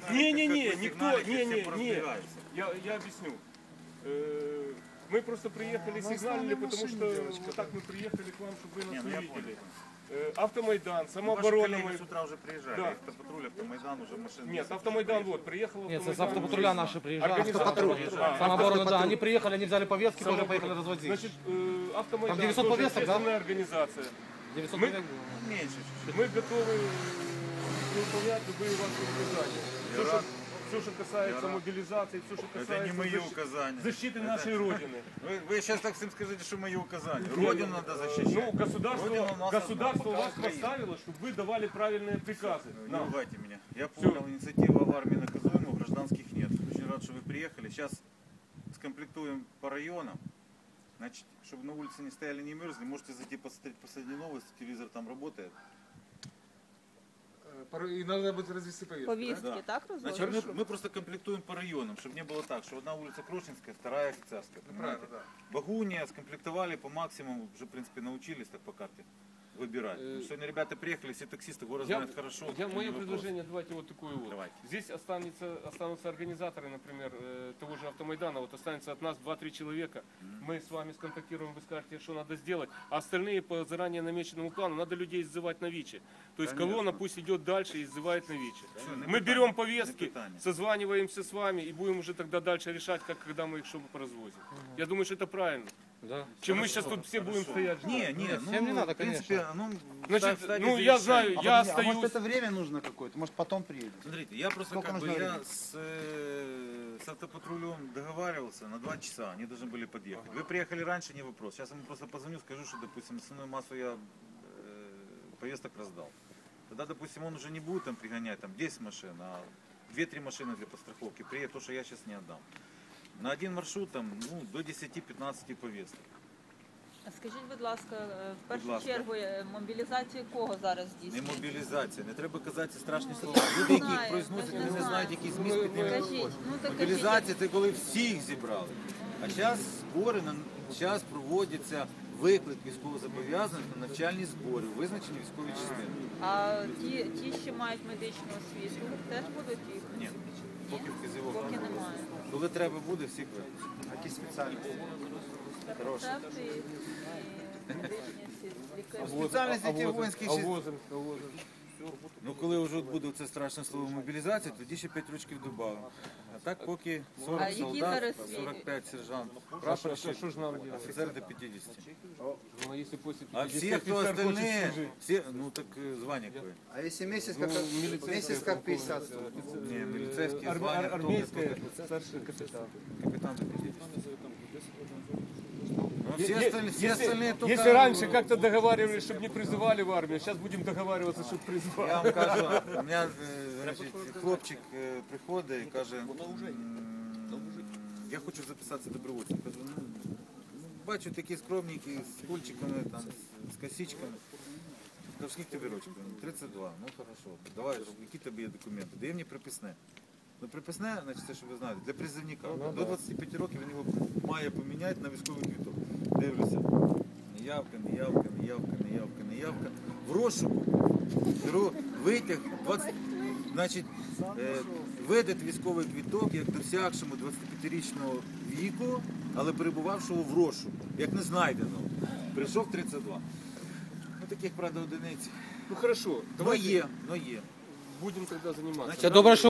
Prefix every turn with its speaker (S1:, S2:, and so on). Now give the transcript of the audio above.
S1: Я объясню. Мы просто приехали, сигналили, потому что вот так мы приехали к вам, чтобы вы нас увидели. Автомайдан, самооборона.
S2: С утра уже приезжали, да. Автопатруль, Автомайдан уже машины.
S1: Нет, Автомайдан вот, приехал
S3: Нет, с автопатруля наши приезжали.
S1: Автопатруль.
S3: Самооборона, да, они приехали, они взяли повестки, тоже поехали разводить.
S1: Значит, Автомайдан,
S3: там 900 повесток,
S1: общественная организация.
S3: 900
S1: мы,
S3: повесток.
S2: Меньше чуть-чуть.
S1: Мы готовы выполнять любые ваши указания. Все, что касается мобилизации, все, что касается
S2: это не мои указания.
S1: Защиты нашей Родины.
S2: Вы сейчас так всем скажите, что мои указания. Родину надо защищать.
S1: Ну, государство вас поставило, чтобы вы давали правильные приказы.
S2: Не ругайте меня. Я понял, инициатива в армии наказуема, у гражданских нет. Очень рад, что вы приехали. Сейчас скомплектуем по районам. Значит, чтобы на улице не стояли, не мерзли, можете зайти посмотреть последние новости, телевизор там работает.
S4: И надо будет развести повестки.
S5: Повестки,
S2: да?
S5: Так
S2: Значит, мы просто комплектуем по районам, чтобы не было так, что одна улица Крошинская, вторая Офицерская.
S4: Правильно, да.
S2: Багуния скомплектовали по максимуму, уже в принципе научились так по карте выбирать. Сегодня ребята приехали, все таксисты, город знают хорошо.
S1: Мое предложение, давайте вот такое вот.
S2: Давайте.
S1: Здесь останутся организаторы, например, того же Автомайдана, вот останется от нас 2-3 человека. Мы с вами сконтактируем, вы скажете, что надо сделать, а остальные по заранее намеченному плану надо людей иззывать на ВИЧе. То есть колонна пусть идет дальше и иззывает на ВИЧе. Мы берем повестки, созваниваемся с вами и будем уже тогда дальше решать, когда мы их чтобы поразвозим. Я думаю, что это правильно.
S3: Да.
S1: Чем мы сейчас тут все будем стоять.
S3: Всем не надо,
S2: в принципе,
S1: Значит, я знаю, я остаюсь.
S6: А может это время нужно какое-то, может потом приедет?
S2: Смотрите, я просто с автопатрулем договаривался на 2 часа, они должны были подъехать. Вы приехали раньше, не вопрос. Сейчас я ему просто позвоню, скажу, что, допустим, основную массу я повесток раздал. Тогда, допустим, он уже не будет там пригонять там 10 машин, а 2-3 машины для подстраховки приедет, то, что я сейчас не отдам. На один маршрут там, до 10-15 повесток.
S5: Скажіть, будь ласка, в першу чергу мобілізацію кого зараз здійснює?
S2: Не мобілізація, не треба казати страшні слова. Люди, які їх произносять, вони не знають, який зміст під ними виходить. Мобілізація – це коли всіх зібрали. А зараз збори, зараз проводяться виклик військовозобов'язаних на навчальні збори, визначені військові частини.
S5: А ті, що мають медичну освіту, теж будуть їх?
S2: Ні, поки вказівок
S5: Поки немає.
S2: Коли треба буде, всіх випустять.
S6: Які спеціальності?
S5: Терапевти і медичні лікарі.
S2: Спеціальності ті воїнські коли вже буде це страшне слово мобілізація, тоді ще 5 років додамо. А так поки 40 солдат, 45 сержант, прапорщик, офіцер до 50. А всі, хто остальні, так звання какое?
S6: А если месяц как 50?
S2: Не, милицейские звания.
S1: Армейская, старший капитан.
S2: Капитан до 50. Все остальные только...
S1: Если раньше как-то договаривались, чтобы не призывали в армию, сейчас будем договариваться, чтобы призвали.
S2: Я вам кажу, у мене хлопчик приходить і каже, я хочу записатися добровольцем. Кажу, бачу такі скромненькі, з кульчиками, там, з косичками. Кажу, скільки тобі років? 32. Ну хорошо, давай, які тобі є документи? Дає мені приписне. Ну, приписне, значить, це, що ви знаєте, для призовника. До 25 років він його має поміняти на військовий квиток. Дивлюся. Неявка. В розшуку беру витяг, значить, видати військовий квиток як досягшому 25-річного віку, але перебувавшого в розшуку, як не знайдено. Прийшов 32. Ну, таких, правда, одиниць.
S1: Ну хорошо,
S2: Но є.
S1: будем тогда заниматься.
S3: Це добре, що